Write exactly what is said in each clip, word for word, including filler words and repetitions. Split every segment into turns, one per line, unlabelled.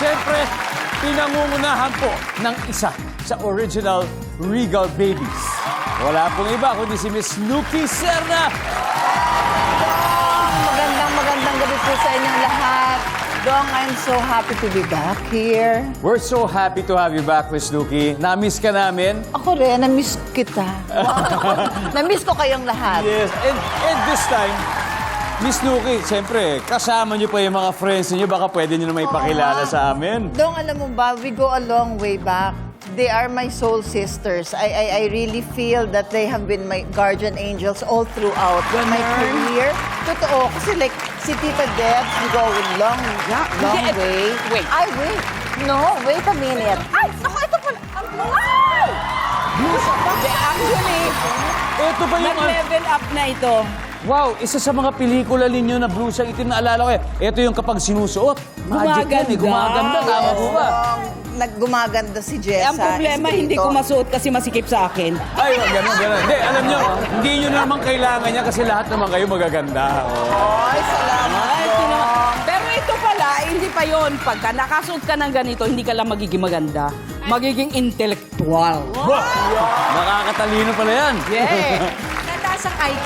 siyempre, pinangungunahan po ng isa sa original Regal Babies. Wala pong iba kundi si Miss Nuki Serna.
Magandang magandang gabi po sa inyong lahat. Dong, I'm so happy to be back here.
We're so happy to have you back, Miss Nuki. Na-miss ka namin.
Ako rin, na-miss kita. Wow. Na-miss ko kayong lahat.
Yes, and, and this time, Miss Nuki, siyempre, kasama niyo pa yung mga friends niyo. Baka pwede niyo na may pakilala sa amin.
Dong, alam mo ba, we go a long way back. They are my soul sisters. I, I, I really feel that they have been my guardian angels all throughout my career. Totoo, kasi like, si Tita Debs, we go a long, long
Hindi, eh,
way.
wait.
Ay, wait. No, wait a minute. Ay, naku, ito pala. Wow!
Hindi, actually,
Ito ba yung...
nag-level up na ito.
Wow, isa sa mga pelikula ninyo na blue siyang itim na alala ko eh. Ito yung kapag sinusuot. Magic yan eh, gumaganda. Tama po ba?
Naggumaganda si
Eh,
Jessa.
ang problema, hindi ko masuot kasi masikip sa akin.
Ay, wag ganun, ganun. Hindi, alam nyo, hindi nyo naman kailangan niya kasi lahat naman kayo magaganda. Oh.
Ay, salamat.
Ay, tino- Pero ito pala, hindi pa yon. Pagka nakasuot ka ng ganito, hindi ka lang magiging maganda. Magiging intellectual.
Wow! Nakakatalino pala yan.
Yeah.
Nataas ang I Q.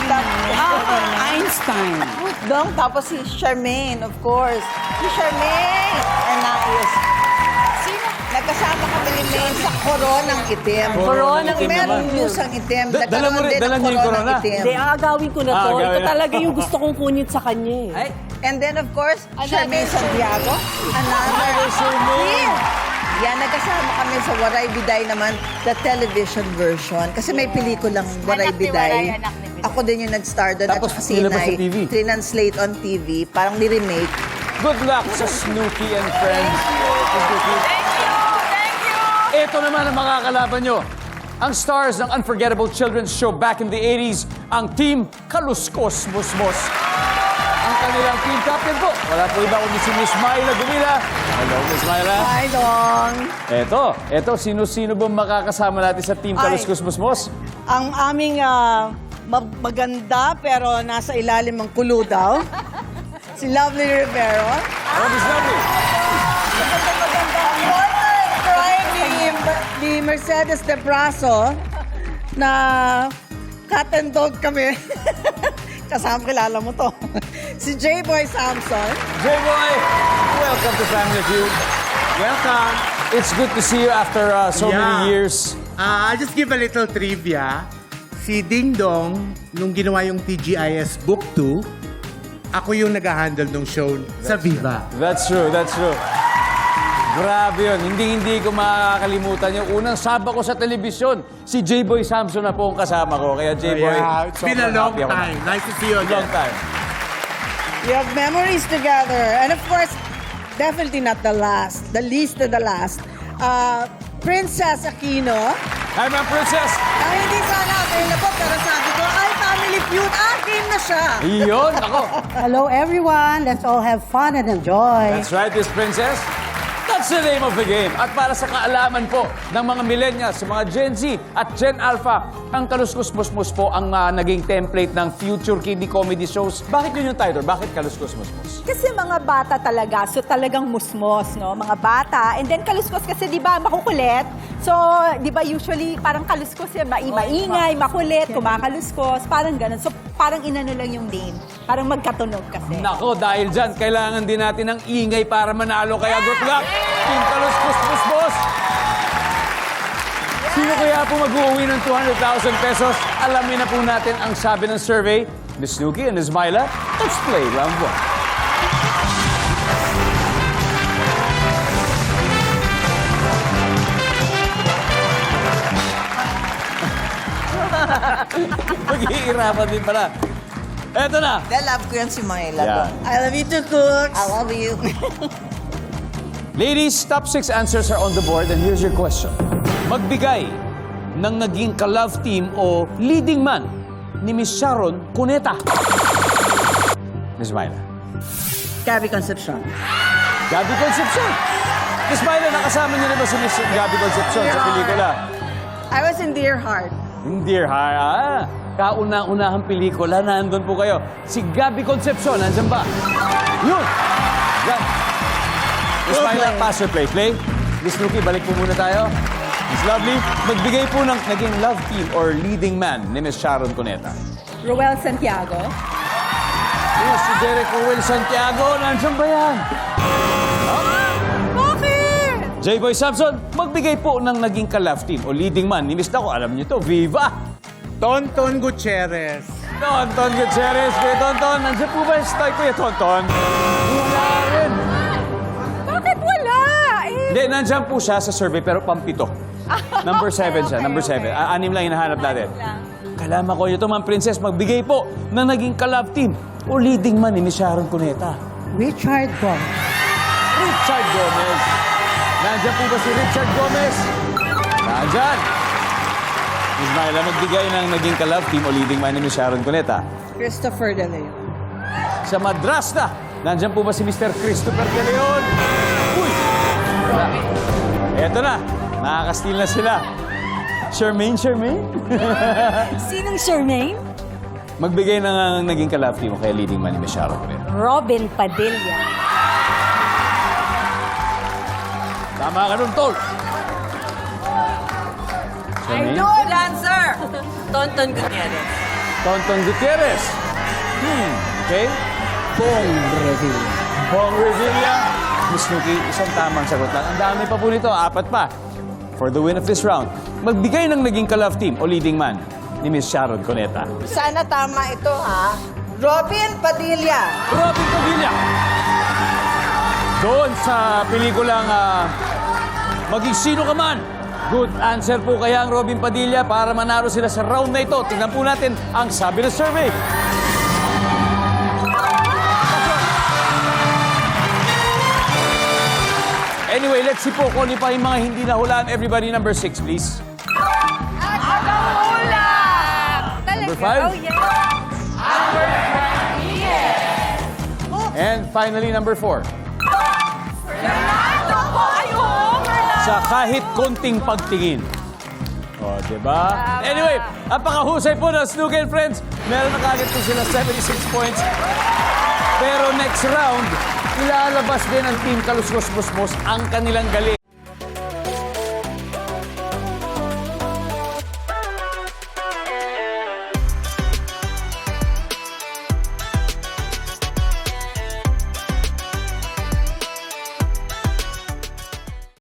Ah, Einstein.
Dong, tapos si Charmaine, of course. Si Charmaine! Anais. Sino? Nagkasama kami ni Maine sa koronang itim.
Koronang itim
Merong
naman.
blusang itim.
Da- dala mo rin-
Nagkaroon din
dala
ng
niyo yung
koronang
corona?
itim.
Hindi, aagawin ko na
Ah,
to.
agawin
Ito
na.
talaga yung gusto kong kunit sa kanya eh.
Ay,
And then, of course, Charmaine Santiago. Another Charmaine. Yan, nagkasama kami sa Waray Biday naman, the television version. Kasi may pelikulang Waray
Anak ni
Biday.
Waray, anak ni Biday.
Ako din yung nag-star doon.
Tapos
at saka si
nilabas sa
Inay.
T V.
Trinanslate on T V. Parang ni-remake.
good luck sa Snooki and Friends. Thank you.
Thank you! Thank you!
Ito naman ang makakalaban nyo. Ang stars ng unforgettable children's show back in the eighties, ang team Kaluskos Musmos. Ang kanilang team captain po, wala po iba kundi si Miss Myla Gumila. Hello, Miss Myla.
Hi, Dong.
Eto, eto, sino-sino ba makakasama natin sa team
Ay.
Kaluskos Musmos?
Ang aming ah, ma- maganda pero nasa ilalim ng kulo daw. Si Lovely Rivero.
Oh, Miss Lovely.
Prime ni, ni Mercedes de Braso na cat and dog kami. Kasama, kilala mo to. Si J-Boy Samson.
J-Boy, welcome to Family Feud.
Welcome.
It's good to see you after uh, so
Yeah.
many years.
Uh, I'll just give a little trivia. Si Ding Dong, nung ginawa yung T G I S Book two, ako yung nag-handle ng show sa Viva.
That's true, that's true. Grabe yun. Hindi-hindi ko makakalimutan yung unang saba ko sa telebisyon. Si J-Boy Samson na po ang kasama ko. Kaya J-Boy,
Yeah, it's been a
sobrang
long
happy ako.
time. Nice to see you again.
Long time.
We have memories together. And of course, definitely not the last. The least of the last. Uh, Princess Aquino.
Hi, Ma'am Princess.
Ay, hindi sana available, pero sabi ko, ay, Family Feud, akin na siya.
Iyon, ako.
Hello, everyone. Let's all have fun and enjoy.
That's right, Miss Princess. That's the name of the game. At para sa kaalaman po ng mga millennials, sa mga Gen Z at Gen Alpha, ang Kaluskos Musmos po ang uh, naging template ng future kiddie comedy shows. Bakit yun yung title? Bakit Kaluskos Musmos?
Kasi mga bata talaga, so talagang musmos, no? Mga bata. And then kaluskos kasi, di ba, makukulit. So, di ba, usually, parang kaluskos yan, ma maingay, makulit, kumakaluskos, parang ganun. So, parang inano lang yung name. Parang magkatunog kasi.
Nako, dahil dyan, kailangan din natin ng ingay para manalo. Kaya good luck, Team Kaluskos Musmos! Sino kaya po mag-uwi ng two hundred thousand pesos? Alamin na po natin ang sabi ng survey. Miss Nuki and Miss Myla, let's play round one. Mag-iirapan din pala. Eto na.
I love ko yan si Myla.
Yeah.
Dong.
I love you too, Cooks.
I love you.
Ladies, top six answers are on the board and here's your question. Magbigay ng naging ka-love team o leading man ni Miss Sharon Cuneta. Miss Myla.
Gabby Concepcion.
Gabby Concepcion. Miss Myla, nakasama niyo na ba si Miss Gabby Concepcion sa pelikula?
I was in Dear Heart.
Dear Heart, ah, kauna-unahang pelikula, nandun po kayo. Si Gabby Concepcion, nandyan ba? Yun! Yan. Miss Myla.
play.
pass or play. Play. Miss Rookie, balik po muna tayo. Miss Lovely, magbigay po ng naging love team or leading man ni Miss Sharon Cuneta.
Roel Santiago.
Yes, si Derek Rowell Santiago. Nandiyan ba yan?
Bakit?
J-Boy Samson, magbigay po ng naging ka-love team o leading man ni Miss Nako. Alam niyo to, Viva!
Tonton Gutierrez.
Tonton Gutierrez, Kuya Tonton. Nandiyan po ba yung style, Kuya Tonton? Wala rin.
Bakit wala? Eh,
Hindi, nandiyan po siya sa survey pero pampito. Number seven siya, number seven. Ah, Anim lang hinahanap natin. Kalama ko ito, Ma'am Princess, magbigay po ng naging ka-love team o leading man ni Miss Sharon Cuneta.
Richard Gomez.
Richard Gomez. Nandiyan po ba si Richard Gomez? Nandiyan. Miss Myla, magbigay ng naging ka-love team o leading man ni Miss Sharon Cuneta.
Christopher De Leon.
Sa Madrasta, nandiyan po ba si Mister Christopher De Leon? Uy! Wala. Eto na, nakakastil na sila. Charmaine, Charmaine?
sinong Charmaine?
Magbigay ng uh, naging ka-love team o kaya leading man ni Miss Sharon Cuneta.
Robin Padilla.
Tama ka nun, Tol. Charmaine?
Good answer! Tonton Gutierrez.
Tonton Gutierrez. Hmm, okay.
Bong Revilla.
Bong Revilla. Miss Nuki, isang tamang sagot lang. Ang dami pa po nito, apat pa. For the win of this round, magbigay ng naging ka-love team o leading man ni Miss Sharon Cuneta.
Sana tama ito, ha? Robin Padilla.
Robin Padilla. Doon sa pelikulang ah, Maging Sino Ka Man. Good answer po kaya ang Robin Padilla para manalo sila sa round na ito. Tingnan po natin ang sabi ng survey. Anyway, let's see po kung ano pa yung mga hindi nahulaan. Everybody, number six, please. Number five.
Oh, yeah.
And finally, number four.
Fernando po! Ayun!
Sa kahit konting pagtingin. O, diba? Anyway, napakahusay po ng Snooki and Friends. Meron na kagad po sila seventy-six points. Pero next round, ilalabas din ang Team Kaluskos Musmos ang kanilang galing.